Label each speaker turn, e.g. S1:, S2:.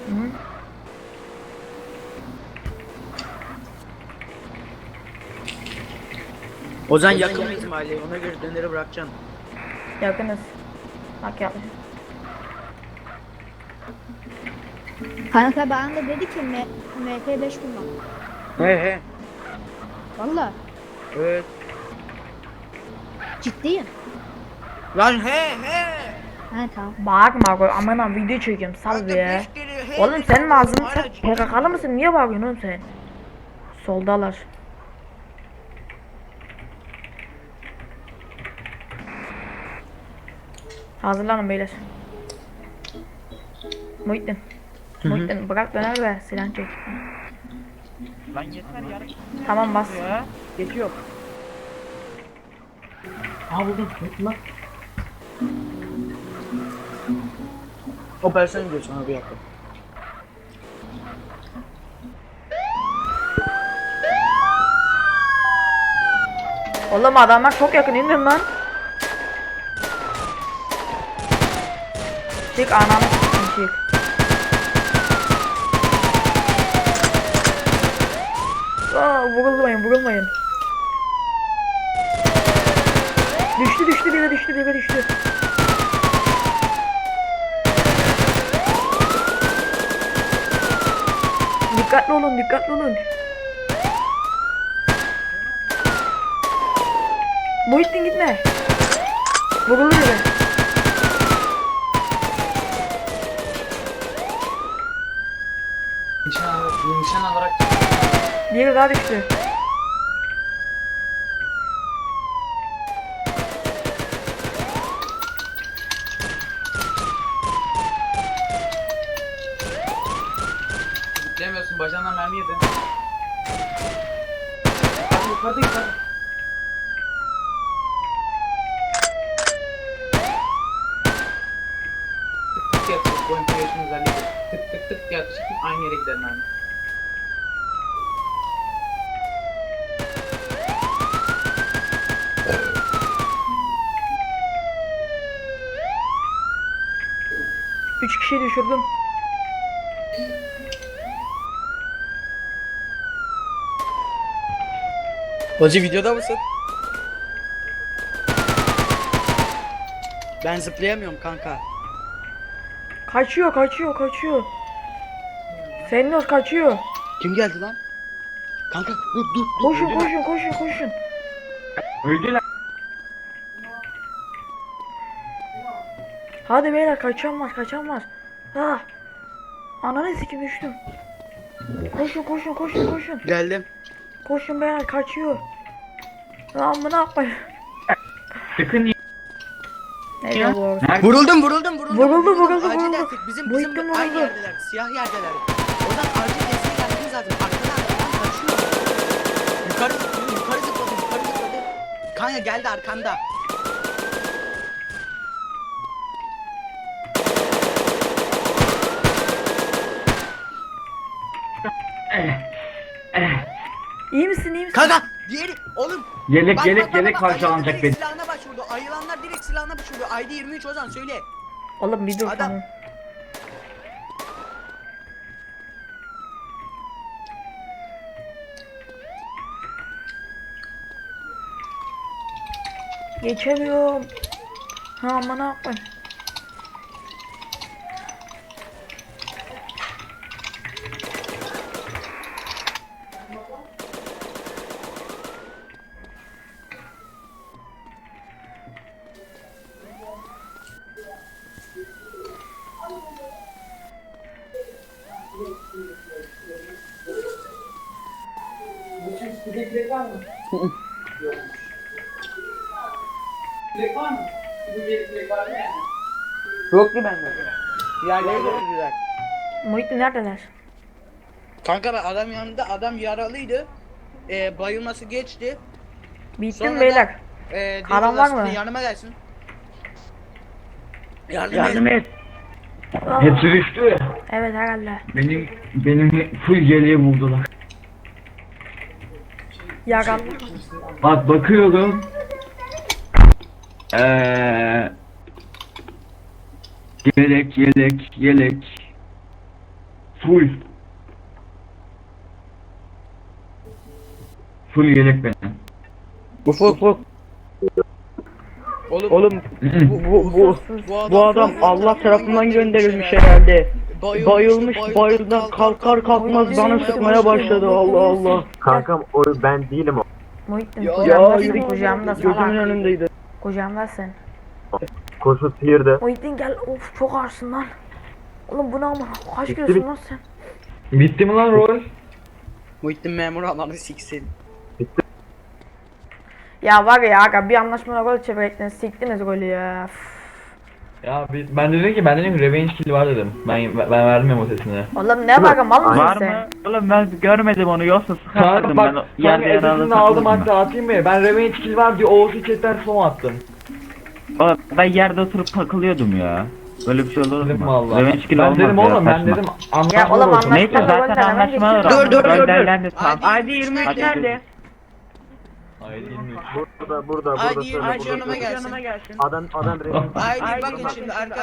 S1: Hı.
S2: Ozan yakın mıyız mahalleye? Ona göre döneri bırakacaksın.
S1: Yakınız. Bak yaklaşık.
S3: Kanka bana da dedi ki MP5 kullan.
S2: He.
S3: Valla
S2: Evet.
S3: ciddiyim.
S2: Lan he.
S3: Ha tamam.
S1: Bağırma koy. Aman video çekiyorum. Sal be. Oğlum senin ağzını sen PKK'lı mısın? Niye bağırıyorsun oğlum sen? Soldalar. Hazırlanın beyler. Muhittin. Muhittin bırak döner ve silah çek.
S2: Lan yeter yarın
S1: Tamam bas.
S2: ya. Geçiyor. Buldum. Lan. Operasyon diyor sana bir dakika.
S1: Oğlum adamlar çok yakın indirin lan. Çık ananı s**tim çık. Vurulmayın. Düştü biri düştü. Dikkatli olun. Muhittin gitme. Vurulur biri.
S2: Nişan alarak
S1: Biri daha düştü.
S2: Bilemiyorsun bacağından mermi yedin. Hadi yukarıda. Tık tık yapacak bu enflasyon özelliği. Tık tık yapacak aynı yere gider mermi.
S1: Üç kişiyi düşürdüm.
S2: Hacı videoda mısın? Ben zıplayamıyorum kanka.
S1: Kaçıyor. Fennos kaçıyor.
S2: Kim geldi lan? Kanka dur.
S1: Koşun.
S2: Öldüler.
S1: Hadi beyler kaçan var. Ah. Ananı sikim düştüm. Koşun.
S2: Geldim.
S1: Koşun beyler kaçıyor. Lan bunu yapmayın.
S4: Sakın
S1: Neyse bu.
S2: Vuruldum.
S1: Vuruldu.
S2: Acil destek. Bizim
S1: Muhittin
S2: aynı
S1: vuruldu.
S2: yerdeler. Siyah yerdeler. Oradan acil destek gelmemiz lazım. Arkadan kaçıyor. Yukarı zıpladı. Kanya geldi arkanda.
S1: İyi misin?
S2: Kanka diğeri oğlum.
S4: Yelek
S2: Bak,
S4: yelek
S2: bak,
S4: yelek
S2: bak,
S4: parçalanacak
S2: direkt
S4: benim.
S2: silahına başvurdu. Ayılanlar direkt silahına başvurdu. ID 23 Ozan söyle.
S1: Oğlum bir dur
S2: Adam-
S1: tamam. Geçemiyorum. Ha aman ne yapayım.
S5: Bilek var mı? Yok. Bilek var mı? Bu bilek var mı yani?
S2: Yok ki bende. Yerlere götürdüler.
S1: Muhittin neredeler?
S2: Kanka ben adam yanında adam yaralıydı. Bayılması geçti.
S1: Bittim
S2: Sonra
S1: beyler. Karan var mı?
S2: Yanıma gelsin.
S4: Yardım et.
S1: Ah,
S4: Hepsi düştü.
S1: evet herhalde.
S4: Benim full yeleği buldular.
S1: Yaralı.
S4: Bak bakıyorum. Yelek. Full. Full yelek benim.
S6: Ufuk. Oğlum bu adam Allah tarafından gönderilmiş herhalde. Bayılmış, bayıldan kalkar kalkmaz bana sıkmaya başladı. Allah Allah.
S7: Kankam o ben değilim o.
S1: Muhittin
S6: Ya
S1: kucağımdasın
S6: yürü,
S1: kucağımda
S6: gözümün
S1: salak.
S6: önündeydi.
S1: Kucağımdasın.
S7: Koşu sıyırdı.
S1: Muhittin gel of çok ağırsın lan. Oğlum bu ne ama kaç kilosun lan sen?
S4: Bitti mi lan rol?
S2: Muhittin memuru ananı siksin.
S1: Ya var ya aga bir anlaşmada gol çevirektiniz siktiniz golü ya. Üf.
S8: Ya ben dedim ki revenge kill var dedim. Ben verdim o sesini.
S1: Oğlum ne var mal mısın
S6: Var
S1: sen?
S6: mı? Oğlum ben görmedim onu yoksa
S8: Kanka
S6: sıkardım
S8: bak
S6: ben yerde
S8: kanka
S6: yaralı
S8: sesini aldım
S6: takıldım.
S8: hatta atayım mı? Ben revenge kill var diye Oğuz'u chatten son attım.
S6: Oğlum ben yerde oturup takılıyordum ya. Böyle bir şey olur
S8: Dedim
S6: mu?
S8: valla.
S6: Revenge kill
S8: Ben
S6: olmaz
S8: dedim
S6: ya,
S8: oğlum ben
S6: saçma.
S8: dedim
S1: Ya
S8: anlaşma
S1: oğlum
S8: olsun.
S6: Neyse
S1: anlaşma
S6: zaten anlaşma var.
S2: Dur.
S6: Gönderlendi tamam.
S2: Haydi 23
S6: Hadi
S2: nerede?
S8: Hayır 23.
S7: Burada
S2: Haydi
S7: söyle,
S2: 23
S7: burada
S2: yanıma
S7: söyle.
S2: gelsin.
S7: Adam
S2: Haydi bakın şimdi arkadaşlar.